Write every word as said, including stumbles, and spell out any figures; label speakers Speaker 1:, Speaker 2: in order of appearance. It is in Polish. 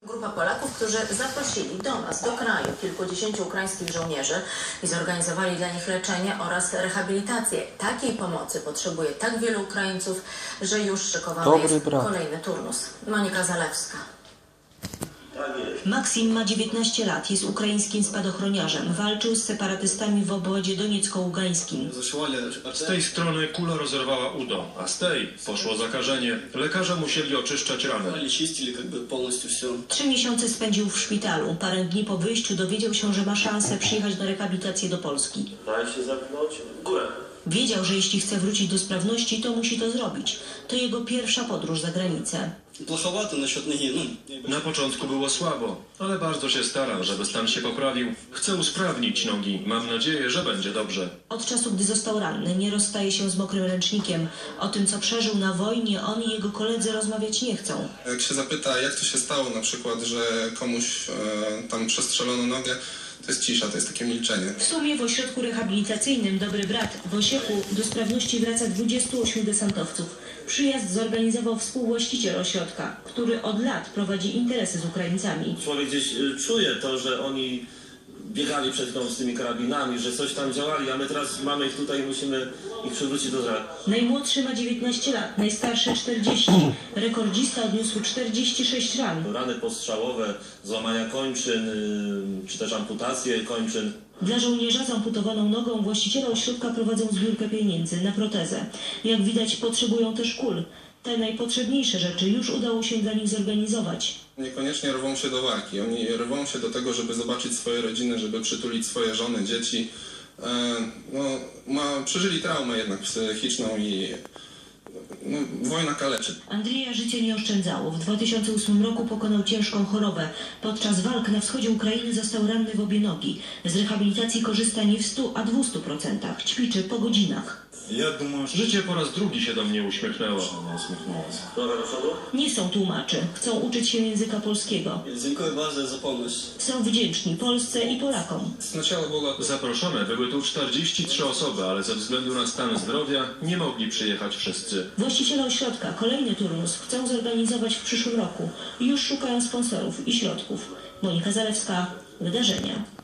Speaker 1: Grupa Polaków, którzy zaprosili do nas, do kraju, kilkudziesięciu ukraińskich żołnierzy i zorganizowali dla nich leczenie oraz rehabilitację. Takiej pomocy potrzebuje tak wielu Ukraińców, że już szykowany
Speaker 2: Dobry
Speaker 1: jest
Speaker 2: brat.
Speaker 1: kolejny turnus. Monika Zalewska.
Speaker 3: Maksim ma dziewiętnaście lat, jest ukraińskim spadochroniarzem. Walczył z separatystami w obwodzie doniecko-ługańskim.
Speaker 4: Z tej strony kula rozerwała udo, a z tej poszło zakażenie. Lekarze musieli oczyszczać rany.
Speaker 3: Trzy miesiące spędził w szpitalu. Parę dni po wyjściu dowiedział się, że ma szansę przyjechać na rehabilitację do Polski.
Speaker 5: Daj się zapchnąć w górę.
Speaker 3: Wiedział, że jeśli chce wrócić do sprawności, to musi to zrobić. To jego pierwsza podróż za granicę.
Speaker 4: Na początku było słabo, ale bardzo się stara, żeby stan się poprawił. Chcę usprawnić nogi. Mam nadzieję, że będzie dobrze.
Speaker 3: Od czasu, gdy został ranny, nie rozstaje się z mokrym ręcznikiem. O tym, co przeżył na wojnie, on i jego koledzy rozmawiać nie chcą.
Speaker 6: Jak się zapyta, jak to się stało, na przykład, że komuś e, tam przestrzelono nogę, to jest cisza, to jest takie milczenie.
Speaker 3: W sumie w ośrodku rehabilitacyjnym Dobry Brat w Osieku do sprawności wraca dwudziestu ośmiu desantowców. Przyjazd zorganizował współwłaściciel ośrodka, który od lat prowadzi interesy z Ukraińcami.
Speaker 5: Człowiek gdzieś y, czuje to, że oni biegali przed chwilą z tymi karabinami, że coś tam działali, a my teraz mamy ich tutaj i musimy ich przywrócić do zdrowia.
Speaker 3: Najmłodszy ma dziewiętnaście lat, najstarszy czterdzieści. Rekordzista odniósł czterdzieści sześć ran.
Speaker 5: Rany postrzałowe, złamania kończyn, y, czy też amputacje kończyn.
Speaker 3: Dla żołnierza z amputowaną nogą właściciele ośrodka prowadzą zbiórkę pieniędzy na protezę. Jak widać, potrzebują też kul. Te najpotrzebniejsze rzeczy już udało się dla nich zorganizować.
Speaker 6: Niekoniecznie rwą się do walki, oni rwą się do tego, żeby zobaczyć swoje rodziny, żeby przytulić swoje żony, dzieci. E, no, ma, przeżyli traumę jednak psychiczną i no, wojna kaleczy.
Speaker 3: Andrzeja życie nie oszczędzało. W dwa tysiące ósmym roku pokonał ciężką chorobę. Podczas walk na wschodzie Ukrainy został ranny w obie nogi. Z rehabilitacji korzysta nie w stu, a dwustu procentach. Ćwiczy po godzinach.
Speaker 4: Życie po raz drugi się do mnie uśmiechnęło.
Speaker 5: Droga do przodu?
Speaker 3: Nie są tłumaczy. Chcą uczyć się języka polskiego.
Speaker 7: Dziękuję bardzo za pomoc.
Speaker 3: Są wdzięczni Polsce i Polakom.
Speaker 6: Sначала było
Speaker 4: Zaproszone były tu czterdzieści trzy osoby, ale ze względu na stan zdrowia nie mogli przyjechać wszyscy.
Speaker 3: Właściciele ośrodka kolejny turnus chcą zorganizować w przyszłym roku. Już szukają sponsorów i środków. Monika Zalewska, Wydarzenia.